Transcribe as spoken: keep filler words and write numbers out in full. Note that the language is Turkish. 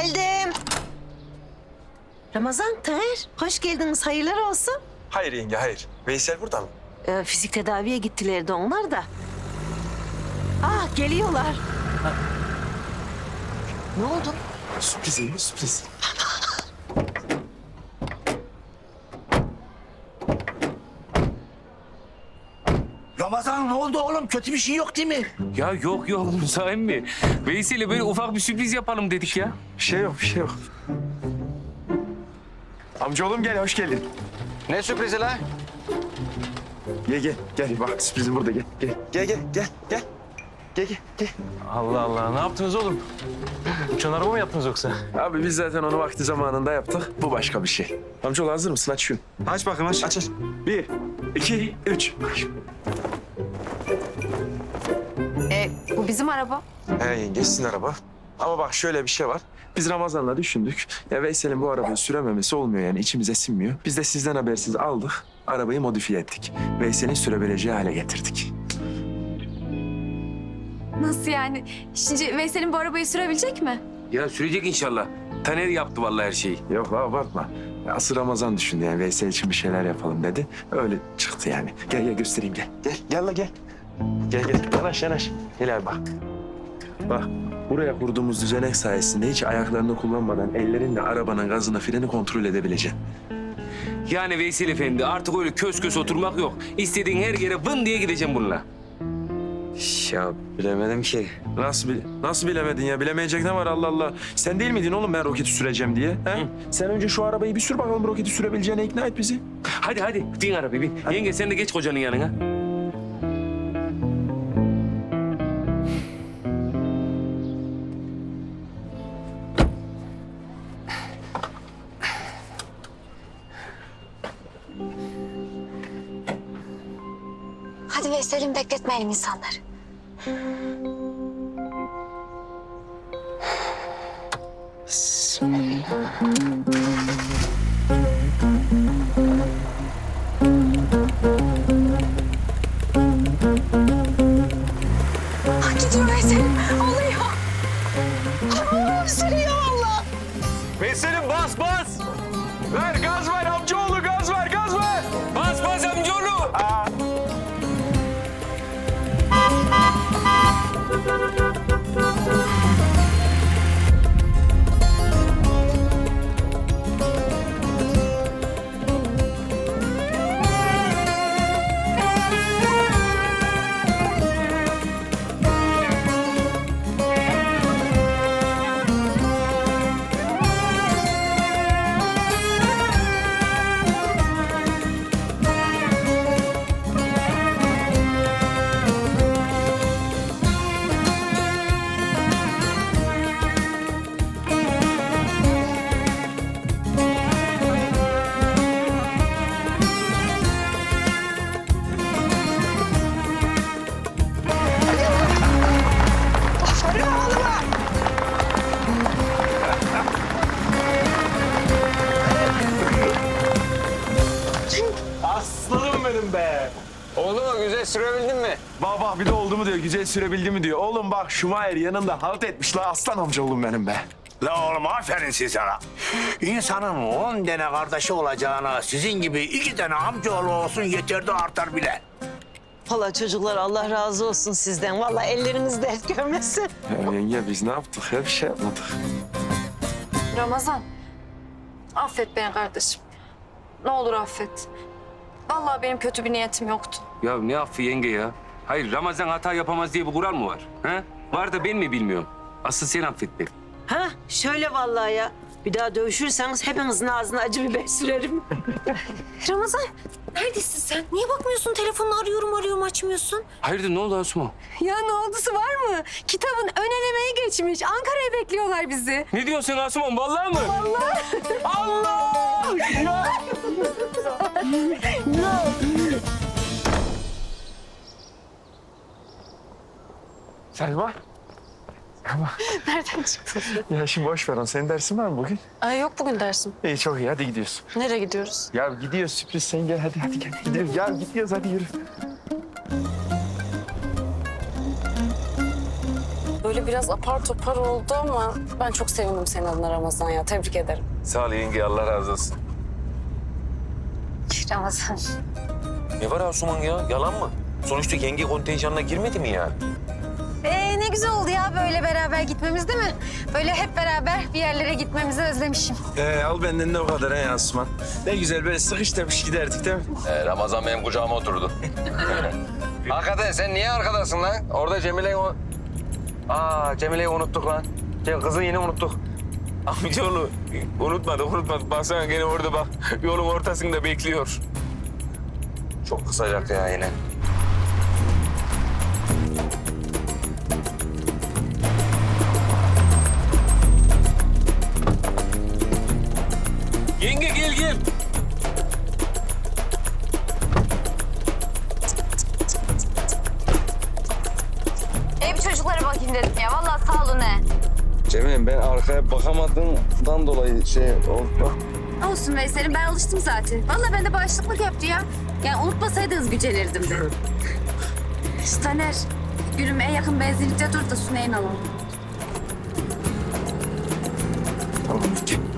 Geldim. Ramazan, Taner, hoş geldiniz. Hayırlar olsun. Hayır yenge, hayır. Veysel burada mı? Ee, fizik tedaviye gittilerdi onlar da. Ah, geliyorlar. Ne oldu? Sürpriz yenge, sürpriz. Ramazan ne oldu oğlum? Kötü bir şey yok değil mi? Ya yok yok Musa emmi. Veysel'e böyle ufak bir sürpriz yapalım dedik ya. Bir şey yok, bir şey yok. Amcaoğlum gel, hoş geldin. Ne sürprizi la? Gel gel, gel bak sürprizim burada gel. Gel, gel gel, gel, gel. Gel gel, gel. Allah Allah, ne yaptınız oğlum? Uçan araba mı yaptınız yoksa? Abi biz zaten onu vakti zamanında yaptık. Bu başka bir şey. Amcaoğlu hazır mısın? Aç şunu. Aç bakayım aç. Aç aç. Bir, iki, üç. E, bu bizim araba. He yenge, sizin araba. Ama bak şöyle bir şey var. Biz Ramazan'la düşündük. Ya Veysel'in bu arabayı sürememesi olmuyor yani içimize sinmiyor. Biz de sizden habersiz aldık. Arabayı modifiye ettik. Veysel'in sürebileceği hale getirdik. Nasıl yani? Şimdi Veysel'in bu arabayı sürebilecek mi? Ya sürecek inşallah. Taner yaptı vallahi her şeyi. Yok la abartma. Ya asıl Ramazan düşündü yani Veysel için bir şeyler yapalım dedi. Öyle çıktı yani. Gel gel göstereyim gel. Gel gel la gel. Gel gel yanaş yanaş. Gel abi bak. Bak buraya kurduğumuz düzenek sayesinde hiç ayaklarını kullanmadan ellerinle arabanın gazını freni kontrol edebileceksin. Yani Veysel Efendi artık öyle kös kös oturmak yok. İstediğin her yere vın diye gideceğim bununla. Ya bilemedim ki. Nasıl bil nasıl bilemedin ya? Bilemeyecek ne var Allah Allah. Sen değil miydin oğlum ben roketi süreceğim diye? He? Sen önce şu arabayı bir sür bakalım roketi sürebileceğine ikna et bizi. Hadi hadi bin arabayı bin. Yenge sen de geç kocanın yanına. Hadi Veysel'im bekletmeyelim insanları. Ah, gidiyor Veysel'im. Oluyor. Aa, sürüyor valla. Veysel'im bas bas. Ver gaz ver amcaoğlu gaz ver gaz ver. Bas bas amcaoğlu. Aslanım benim be. Oldu mu? Güzel sürebildin mi? Bak bak bir de oldu mu diyor güzel sürebildi mi diyor. Oğlum bak Şumayer yanında halt etmiş la aslan amcaoğlum benim be. La oğlum aferin size sana. İnsanın on tane kardeşi olacağına sizin gibi iki tane amcaoğlu olsun yeter de artar bile. Valla çocuklar Allah razı olsun sizden. Valla elleriniz dert görmesin. Ya yenge biz ne yaptık ya bir şey yapmadık. Ramazan, affet beni kardeşim. Ne olur affet. Vallahi benim kötü bir niyetim yoktu. Ya ne affı yenge ya? Hayır Ramazan hata yapamaz diye bir kural mı var? Ha? Var da ben mi bilmiyorum? Asıl sen affet beni. Ha şöyle vallahi ya. Bir daha dövüşürseniz hepinizin ağzına acı biber sürerim. Ramazan, neredesin sen? Niye bakmıyorsun? Telefonunu arıyorum arıyorum açmıyorsun. Hayırdır ne oldu Asuman? Ya ne oldusu var mı? Kitabın ön elemeye geçmiş. Ankara'ya bekliyorlar bizi. Ne diyorsun Asuman vallahi mı? Vallahi. Allah! Selma. Nereden çıktın? Ya şimdi boş ver onu. Senin dersin var mı bugün? Ay yok bugün dersim. İyi çok iyi hadi gidiyoruz. Nereye gidiyoruz? Ya gidiyoruz sürpriz sen gel hadi hadi gel gidiyoruz. Ya gidiyoruz hadi yürü. Böyle böyle biraz apar topar oldu ama ben çok sevindim senin adına Ramazan ya. Tebrik ederim. Sağ ol yenge, Allah razı olsun. Ramazan. Ne var Asuman ya? Yalan mı? Sonuçta yenge kontenjanına girmedi mi yani? Ee, ne güzel oldu ya böyle beraber gitmemiz değil mi? Böyle hep beraber bir yerlere gitmemizi özlemişim. Ee, al benden de o kadar he Asuman. Ne güzel böyle sıkıştırmış giderdik değil mi? Ee, Ramazan benim kucağıma oturdu. Hakikaten sen niye arkadasın lan? Orada Cemile'yi... o- Aa, Cemile'yi unuttuk lan. Ce- Kızı yine unuttuk. Amcaoğlu unutmadık unutmadık. Baksana gene orada bak. Yolun ortasında bekliyor. Çok kısacak ya yine. Yenge gel gel. Ee, bir çocuklara bakayım dedim ya. Vallahi sağ olun he. Cemil ben arkaya bakamadığımdan dolayı şey oldu. Olsun Veysel'im ben alıştım zaten. Vallahi ben de bağışıklık yaptı ya. Yani unutmasaydınız gücenirdim de. İşte Taner, yürüme en yakın benzinlikte dur da Süney'in alalım. Tamam. Gel.